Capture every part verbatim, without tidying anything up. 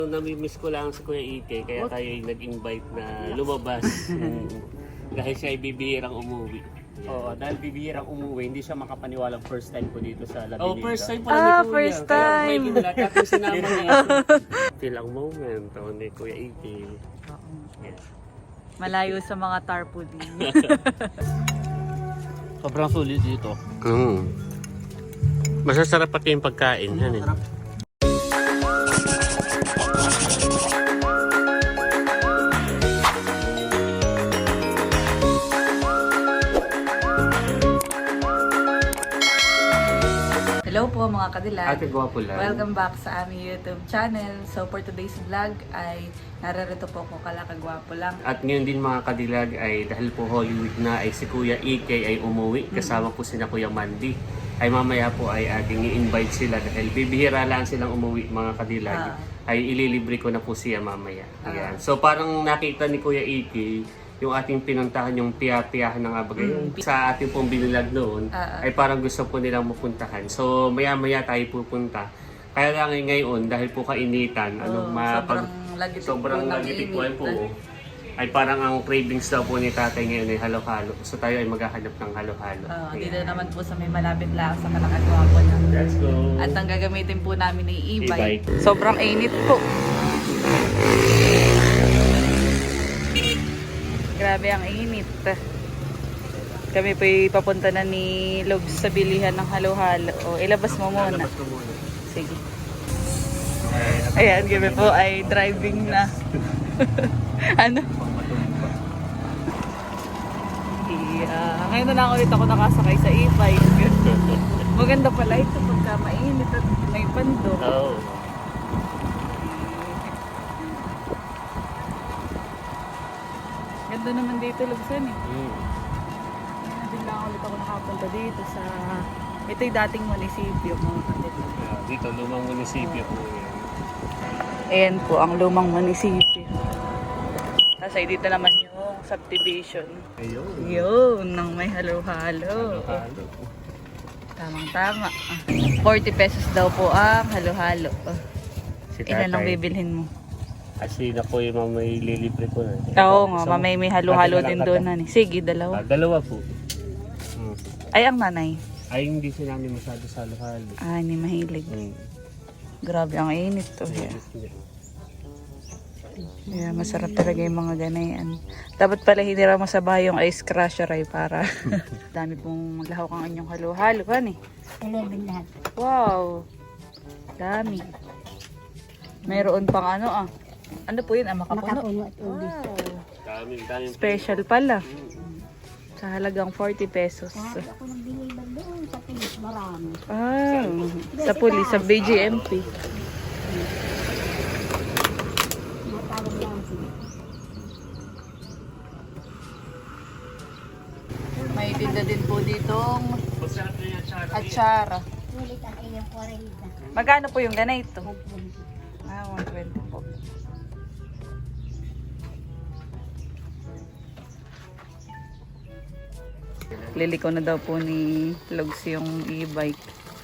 Namimiss ko lang si Kuya Ike, kaya tayo ay nag-invite na lumabas. Mm. Dahil siya ay bibihirang umuwi. Oo, dahil bibihirang umuwi, hindi siya makapaniwalang first time ko dito sa Labinita. Oh, first time pala Ah, ni Kuya. first Kaya time. may ginulat at yung sinama niya. Feel ang moment oh, ni Kuya Ike. Yes. Malayo sa mga tarpaulin. Sobrang sulit dito. Mm. Masasarap pati yung pagkain. Yan, eh. Hello po mga kadilag. Ate Gwapo lang. Welcome back sa aming YouTube channel. So for today's vlog ay nararito po ko kalakagwapo lang. At ngayon din mga kadilag ay dahil po Holy Week na ay si Kuya Ike ay umuwi. Kasama po sina Kuya Mandy. Ay mamaya po ay ating i-invite sila dahil bibihira lang silang umuwi mga kadilag. Ah. Ay ililibre ko na po siya mamaya. Ah. Ayan. So parang nakita ni Kuya Ike yung ating pinuntahan, yung piya-piyahan ng Abagay. Mm. Sa ating pong binilag noon, Ah, ah. ay parang gusto po nilang mapuntahan. So maya-maya tayo pupunta. Kaya lang ay ngayon, dahil po kainitan, ano, Oh, mapag, sobrang lagitik sobrang po ng lagitikwan init. po, ay parang ang cravings daw po ni tatay ngayon ay halo-halo. So tayo ay maghahanap ng halo-halo. Ah, Ayan. dito naman po sa may malapit lang sa kalakagwapo lang. Let's go! At ang gagamitin po namin ay E-bike. e-bike. Sobrang init po. Grabe ang init. Kami po papunta na ni Logs sa bilihan ng halo-halo. O, ilabas mo muna. Lalabas ko muna. Sige. Ayan, kami po ay driving na. Ano? Yeah. Ngayon na lang ulit ako nakasakay sa e-bike. Maganda pala ito pagka mainit at may pando. Oh. Ganda naman dito, Lugsan eh. Mm. Ngayon din lang ulit ako nakapunta dito sa... Ito yung dating munisipyo, mga kapatid. Yeah, dito, lumang munisipyo po yan. Ayan po ang lumang munisipyo. Tapos ay dito naman yung subdivision. Ayun. Yun, nang may halo-halo. Halo-halo. Tamang-tama. forty pesos daw po ang halo-halo. Si Ilan ang tatay. bibilhin mo? Kasi na po yung may lilibre ko na. Oo nga, Isang- mamay may halo-halo Dati na din lang doon. kata. Hani. Sige, Ah, dalawa. dalawa po. Mm. Ay, ang nanay. Ay, hindi sila namin masyado sa halo-halo. Ah, hindi mahilig. Mm. Grabe ang init to. Yeah. Yeah, masarap talaga yung mga ganayan. Dapat pala hindi raw masabay yung ice crusher ay para dami pong maglahok ang inyong halo-halo. Kan eh? eleven lahat. Wow! Dami. Mayroon pang ano ah. Ano po yun? Ah, makapuno. Makapuno at ubi. Wow! Dami, dami. Special pala. Sa halagang forty pesos. Lahat ako nagbili ba doon sa pulis, marami. Ah, sa pulis, sa B G M P. Matawag lang sila. May tinda din po ditong Masarap na yan, Charo. atsara. Ulit ang iyong forenta. Magkano po yung ganito? Ah, one twenty po. Liliko na daw po ni Logs yung e-bike.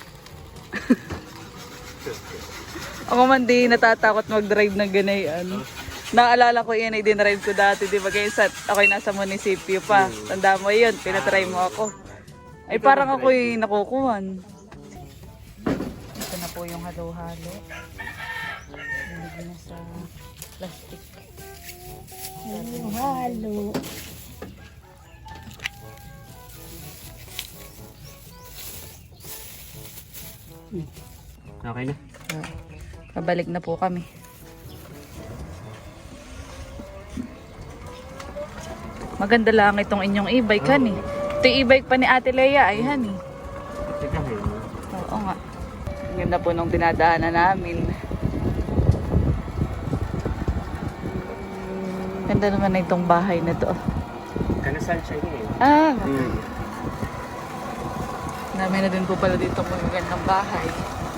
Ako man di natatakot mag-drive ng ganayan. Naalala ko yan ay dinrive ko dati, di ba? Kaya sa, ako'y nasa munisipyo pa. Tanda mo yun, pinatry mo ako. Ay parang ako'y nakukuhan. Ito na po yung halo-halo. Nilagyan na sa plastic. Halo, halo. Okay na. Pabalik na po kami. Maganda lang itong inyong e-bike, hani. Ito yung e-bike pa ni Ate Lea, ay, hani. Teka, hey. Oo nga. Ang ganda po nung dinadaanan namin. Ganda naman na itong bahay na to. Kanasal siya yun eh. Ah, Mm. dami na din po pala dito magagandang bahay.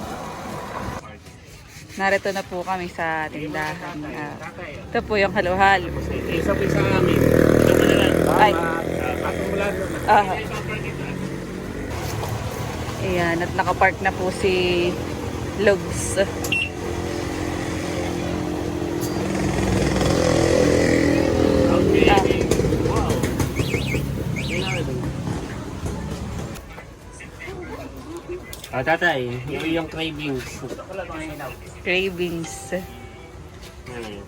Narito na po kami sa tindahan. Ah, ito po yung halo-halo. Isa po isa amin. Ito na lang. Ay. Patong mula doon. Ah. Ayan, at nakapark na po si Logs. Ah, tatay, yung iyong cravings. Cravings. Ano?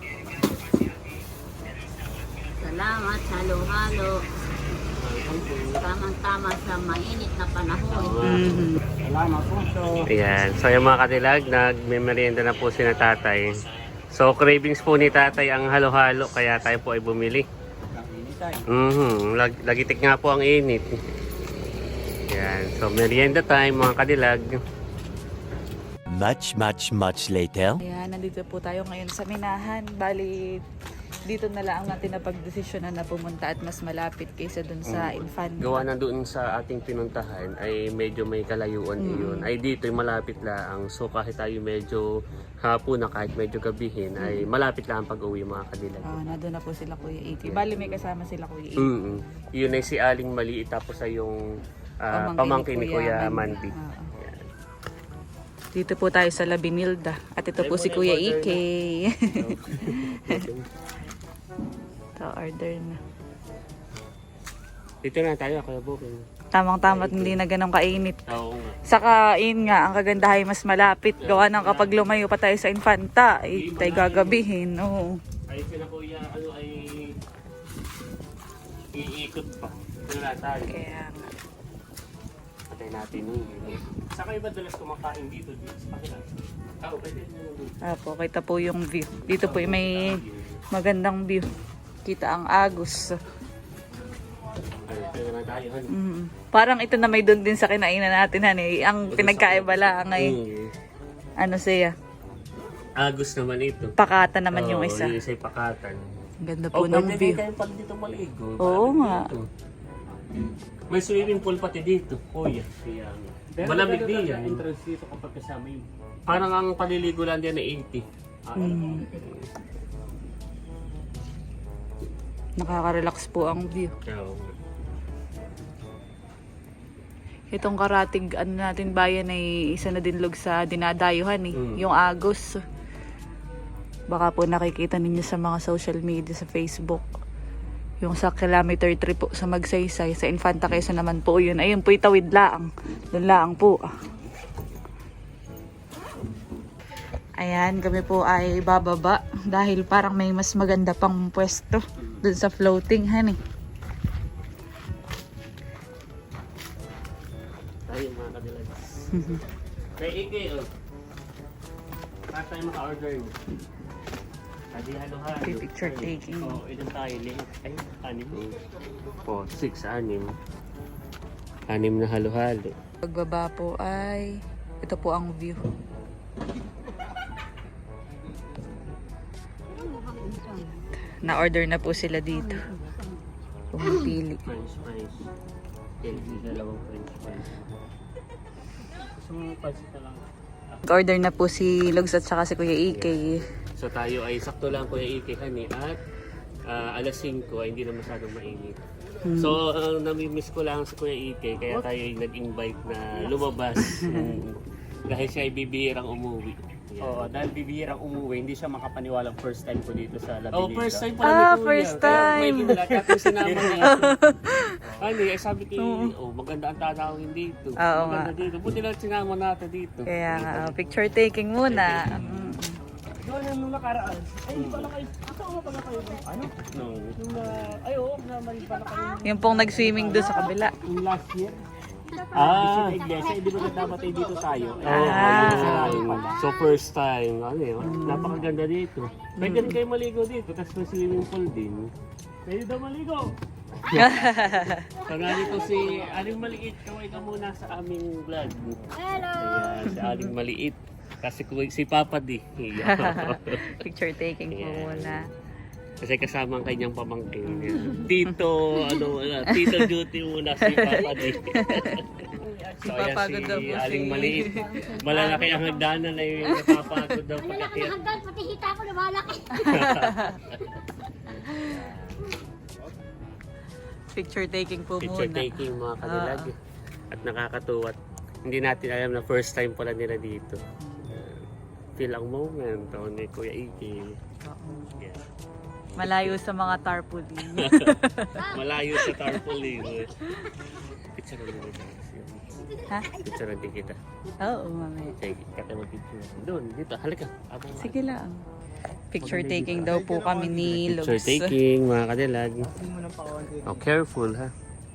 Salamat, halo-halo. Tamang-tama sa mainit na panahon. Mhm. Salamat po. So, Ayan. So yung mga kadilag, nagme-merienda na po si na tatay. So cravings po ni tatay ang halo-halo, kaya tayo po ay bumili. ang initay. Mhm. Lag lagitik nga po ang init. Ayan. So merienda time mga kadilag. Much, much, much later. Ayan, nandito po tayo ngayon sa Minahan. Bali, dito na lang natin napagdesisyonan na pumunta at mas malapit kaysa dun sa Infanta. Gawa na doon sa ating pinuntahan ay medyo may kalayuan iyon. Ay dito ay malapit lang. So kahit tayo medyo hapon na kahit medyo gabihin ay malapit lang ang pag-uwi mga kadilag. Ah, nandun na po sila Kuya Iki. Bali, may kasama sila Kuya Iki. Mm. Yun ay si Aling Maliit tapos ay yung ah, pamangkin ni Kuya Mandy. Ah, ah. Dito po tayo sa La Binilda. At ito po si Kuya Ike. Ito, order na. Dito na tayo, Kuya Booking. Tamang-tama at hindi na ganun kainit. Oo nga. Saka, yun nga, ang kagandahay mas malapit. Gawa ng kapag lumayo pa tayo sa Infanta, ay tayo gagabihin. Oo. Ay sila Kuya, ano ay iikot pa. Ito na tayo. Kaya nga. Patay natin yun. Saka iba dalas kumakain dito, dito sa kanila. Oo, pwede nyo dito. Apo, kita po yung view. Dito po ay may magandang view. Kita ang Agus. Ay, pwede na tayo. Han. Mm. Parang ito na may doon din sa kinainan natin, hani. Ang pinagkaiba lang ay, Mm. ano siya, Agus naman ito. pakata naman yung Oo, isa. yung isa'y pakatan. Ang ganda Oh, po ng pwede view. din kayo pag dito maligo. Oo Malamig nga. dito. May swimming pool pati dito. Kuya. Kaya, malamig din yan. Entrance dito kapag kasama yung Parang ang paliligo lang din na eighty. Mm. Nakaka-relax po ang view. Oo. Itong karatig ano natin bayan ay isa na din log sa dinadayuhan eh. Mm. Yung Agos. Baka po nakikita ninyo sa mga social media sa Facebook. Yung sa kilometer three po sa Magsaysay. Sa Infanta Quezon naman po yun. Ayun po itawid laang. Doon laang po. Ayan, kami po ay bababa. Dahil parang may mas maganda pang pwesto. Doon sa floating, honey. Tayo mga kadilag. Kay Ike, oh. Para tayo maka-order mo. Adi halo-halo. Picture taking. oh, ilan tayo link. Ay, anim. Po, six, anim. Anim na halo-halo. Pagbaba po ay ito po ang view. Na-order na po sila dito. Pumipili. French fries. Healthy, dalawang French fries. Gusto mo pansit na lang. Order na po si Logs at saka si Kuya Ike. So tayo ay sakto lang Kuya Ike kani at ah, alas singko ay hindi na masyadong mainit. So ang nami-miss ko lang si Kuya Ike kaya tayo ay nag-invite na lumabas. Mm, dahil siya ay bibihirang umuwi. Yan. Oo, dahil bibihirang umuwi, hindi siya makapaniwalang first time ko dito sa La Oh, Binilda. first time pala Ah, ni Kuya. first Kaya time. may pinalakat ko sinama niya. Ano, ay sabi ko, oh, maganda ang tatawin dito. Oo Maganda dito. Buti lang sinama natin dito. Kaya nga, oh, picture taking muna. Mm. Doon yung nung nakaraan. Ay, hindi pala kayo. Kasama pala kayo. Ano? No. Yung, uh, ay, oo, naman pala kayo. Yung pong nag-swimming doon sa kabila. Yung last year. Ah, Sa iglesia, hindi ba dapat ay dito tayo? Oh, Ah. ayun. So first time, ano yun, napakaganda dito. Pwede rin kayo maligo dito, tapos may swimming pool din. Pwede daw maligo. So narito si Aling Maliit, kaway ka muna sa aming vlog. Hello! Ayan, si Aling Maliit. Kasi kuwi- si Papa di. Picture taking po Yeah. muna. Kasi kasama ang kanyang pamangkin. Yan. Tito, ano, ano, Tito Duty muna si Papa di. So ayan Papagod daw si po Aling si- Maliit. Malalaki ang hagdanan ay napapagod daw Malaki pagkakit. na hanggang, pati hita ko na malaki. Picture taking po Picture muna. taking mga kanilag. At nakakatuwa. Hindi natin alam na first time pala nila dito. Uh, feel ang moment oh, ni Kuya Iki. Yeah. Malayo sa mga tarpaulin. Malayo sa tarpaulin. Picture na din kita. Ha? Picture na din kita. Oo, mamaya. Sige, kata mo picture. Doon, dito. Halika. Abang Sige lang. Picture taking daw po kami ni Lugs. Picture taking, mga kadilag. Oh, careful ha.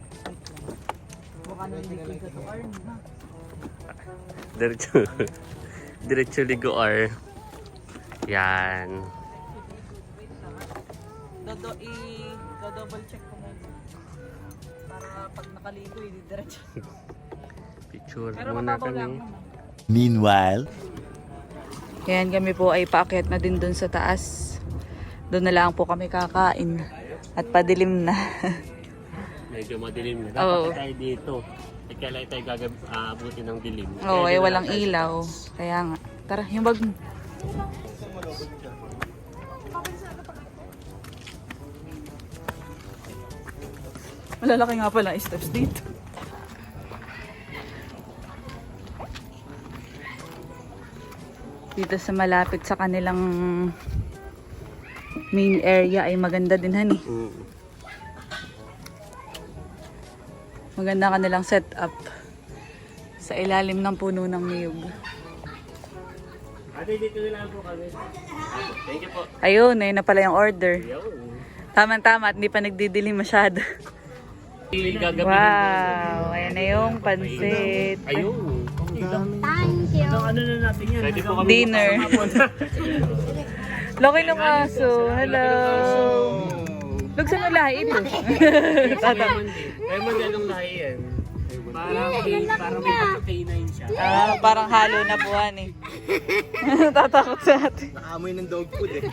Diretso. Diretso ligoar. Yan. Dodo i double check ko muna. Para pag nakaligo, hindi diretso. Picture Pero muna mababaw lang kami. naman. Meanwhile, Yan, kami po ay paakyat na din dun sa taas. Doon na lang po kami kakain. At padilim na. Medyo madilim na. Oo. Dapat tayo dito. Eh, kailan tayo gagabuti ng dilim. Oo, Kaya ay dito walang lang tayo sa ilaw. taas. Kaya nga. Tara, yung bag mo. Malalaki nga pala ang steps dito. Dito sa malapit sa kanilang main area ay maganda din hani. Mm. Maganda kanilang setup sa ilalim ng puno ng niyog. Ate, dito na lang po kami. Thank you po. Ayun, ayun na pala yung order. Ayun. Tama-tama at hindi pa nagdidilim masyado. Gagabi Wow, ayan na yung pansit. Ayun. Thank you. Ano na natin yan? Pwede po kami Dinner. Laki ng aso. Hello. Lugsan mo lahi ito. Raymond. Raymond, anong lahi yan? Parang, parang may pagkakainain siya. Ah, parang halo na buwan eh. Tatakot sa atin. naamoy ng dog food eh.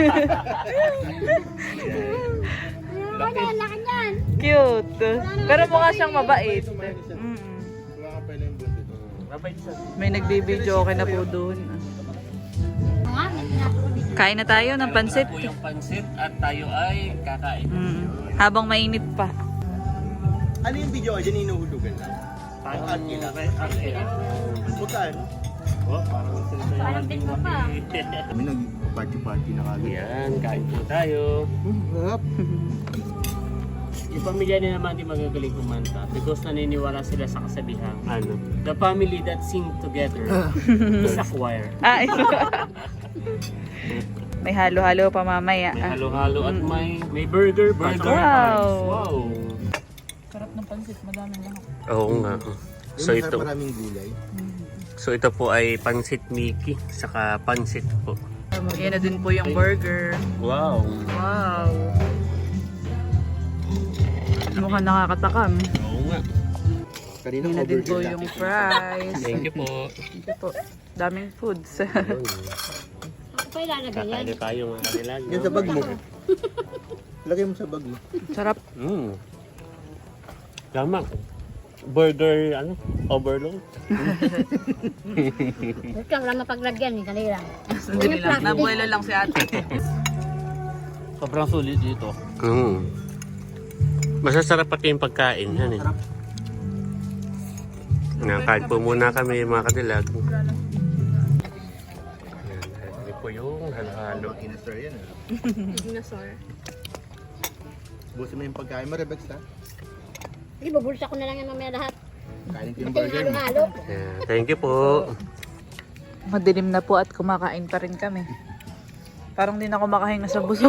Laki. Laki niyan. Cute. Pero mukha siyang mabait. Mm. Mabait siya. May nagbibideo okay na po doon. Nga, may tinatawag dito. Kain na tayo ng pansit. Po yung pansit at tayo ay kakain. Mm. Habang mainit pa. Ano yung video ka dyan inuhulugan lang? Parang Ang kila. Bukan. Oh, parang sila tayo. Parang din mo pa. Kami nag-party-party na kagad. Yan, kain po tayo. Harap. Yung pamilya nila naman di magagaling kumanta because naniniwala sila sa kasabihan. Ano? The family that sing together is a choir. Ah, ito. May halo-halo pa mamaya. May Ah. halo-halo at may may burger. Burger. Wow. Wow. Sarap ng pansit, madaming lahat. Oo nga. So ito, Maraming gulay. so ito po ay pansit Mickey saka pansit po. Yan na din po yung burger. Wow. Wow. Mukhang nakakatakam. Oo nga. Kanina Yan na din po overload yung natin. fries. Thank you po. Thank you po. Daming foods. Ayun. Ako pa ilalagay yan. Kakain na tayo mga kanila. Yan sa bag mo. Lagay mo sa bag mo. Sarap. Mm. Tama. Burger, ano? Overload. Ito lang mapaglagyan eh, kanila. Sandali lang. Nabuelo lang si ate. Sobrang sulit dito. Mm. Masasarap pati yung pagkain. Yan eh. Nakain po muna kami mga kadilag. Yan, ito po yung halo-halo. Dinosaur yan ah. Dinosaur. Busin mo yung pagkain mo, Rebex ha? Hindi, bubulsa ko na lang yan mamaya lahat. Kainin ko yung Ito yung burger mo. halo-halo. Yan, thank you po. Madilim na po at kumakain pa rin kami. Parang di na ako makahinga sa busog.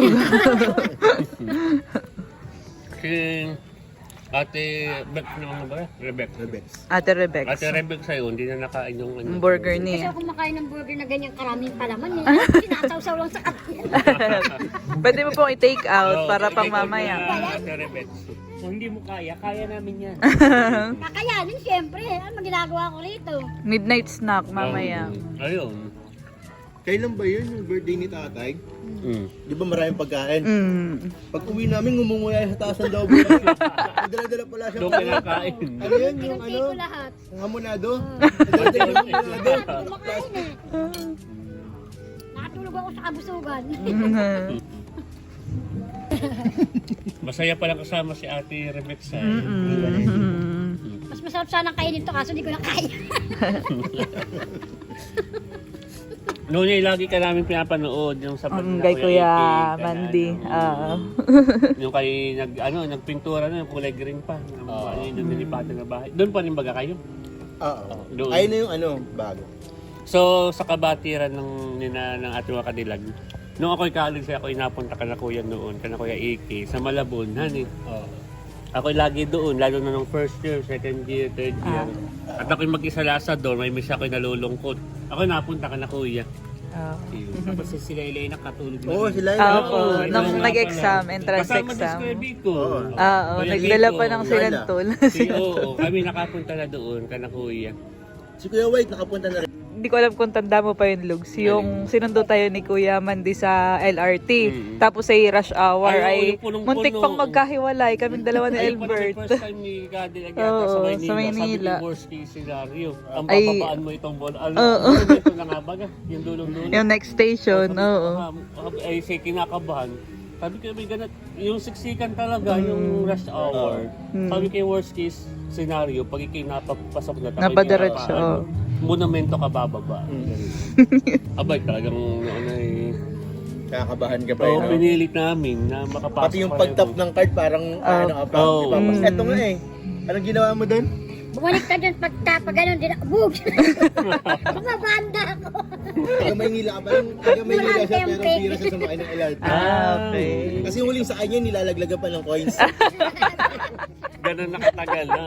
Si Ate Beck naman ba? Rebek. Rebex. Ate Rebex. Ate Rebek sa'yo, hindi na nakain yung ano. Yung burger Kasi niya. ako kumakain ng burger na ganyang karaming palaman eh. Sinasawsaw lang sa katin. Pwede mo pong i-take out Oo, para take pang out mamaya. na Ate Rebek. Kung hindi mo kaya, kaya namin yan. Kakayanin siyempre. Ano ginagawa ko rito? Midnight snack mamaya. Um, ayun. Kailan ba yun yung birthday ni tatay? Mm. Di ba maraming pagkain? Mm. Pag uwi namin, ngumunguya sa taas ng daw buhay. Dala-dala pala siya. Doon kinakain. Ano yun? Yung ano? Tinunti ko lahat. Ang hamonado? Dala-dala yung hamonado. Kumakain eh. Nakatulog ako sa kabusugan. Masaya palang kasama si Ate Rebek sa Mas masarap sana kainin to kaso hindi ko na kaya. Noon ay lagi ka namin pinapanood yung sa Um, na kay Kuya Ike, ka na, Mandy. ano, Oo. yung kay nag ano nagpintura na yung kulay green pa. Yung, ano yung nilipatan na bahay. Doon pa rin baga kayo. Oo. Doon. Ayun na yung ano, bago. So sa kabatiran ng nina ng ating mga kadilag. Nung ako'y college, ako'y napunta ka na kuya noon, ka na kuya Ike, sa Malabon, hani. Oo. Ako'y lagi doon, lalo na nung first year, second year, third year. At ako'y mag-isa lasa doon, may miss ako'y nalulungkot. Ako'y napunta ka na kuya. Oo. Tapos si sila ilay nakatulog na. Oo, sila yun. Ah, Oo, oo. ito Nung nga nag-exam, pala. entrance Kasama din exam. si Kuya Biko. Oo. Oo, Kuya nagdala Biko, pa ng silantol. Si, oo, kami nakapunta na doon, ka na kuya. Si Kuya White nakapunta na rin. Hindi ko alam kung tanda mo pa yung Lugs. Yung sinundo tayo ni Kuya Mandy sa L R T. Mm. Tapos ay rush hour Ay, oo, ay yung punong-puno. muntik pang magkahiwalay. Kaming dalawa ni Ayun pa rin Albert. yung first time ni Kadilag yata Oo, sa sa Maynila. Maynila. Sabi ko, worst case scenario. Ang Ay, bababaan mo itong bola. Ano, oo. ano ito na nga baga? Yung dulong-dulong. Yung next station, oo. Ah, ay, say kinakabahan. Sabi ko, may ganat, yung siksikan talaga, yung rush hour. Mm. Sabi ko, yung worst case scenario, pag ikay napapasok na tayo. Napadiretso, oo. Monumento ka bababa. Abay, talagang ano eh. Nakakabahan ka pa Oo, yun. no? pinilit namin na makapasok. Pati yung pareho. pag-tap ng card parang ano ka pa. Oo. ipapas- Mm. Eto nga eh. Anong ginawa mo doon? Bumalik ka dyan pagka, pag gano'n din ako. Bug! Bumabanda ako. Taga Maynila ka pa lang. Taga Maynila siya pero Walang tempe. bira siya sumakay ng L R T. Ah, okay. Kasi yung huling sa kanya, nilalaglagan pa ng coins. Ganun nakatagal na.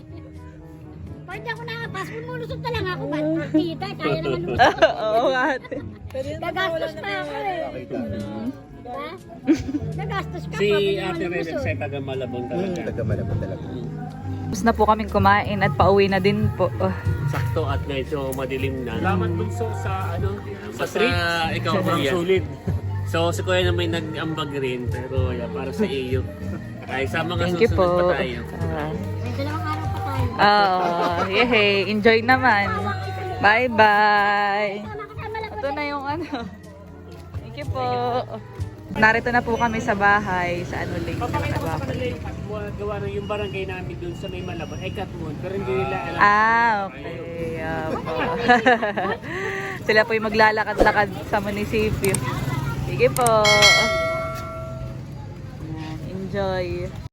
Pag hindi ako nakapas, lumulusot na lang ako. Ba't partida? Kaya naman lumusot. Oo nga. ate. Gagastos pa ako eh. Diba? Gagastos ka Si pa. Kung Ate naman Red lumusot. ay taga Malabon Hmm, talaga. taga Malabon talaga. Tapos na po kaming kumain at pauwi na din po. Oh. Sakto at medyo madilim na. Salamat bunso sa ano, Sa street, ikaw Sobrang kuya. sulit. So si Kuya na may nag-ambag rin, pero yeah, para sa iyo. Ay sa mga Thank you susunod po. pa tayo. Ah. May dalawang araw pa tayo. Oo, yehey. Enjoy naman. Bye-bye. Kasama lang Ito na yung ano. Thank you po. Narito na po kami sa bahay sa ano lake. Papakita ko sa Sa kanila yung katwa, gawa ng yung barangay namin dun sa may Malabon ay Katmon, pero hindi nila alam. Ah, okay. Apo. Sila po yung maglalakad-lakad sa munisipyo. Sige po. Ayan, enjoy.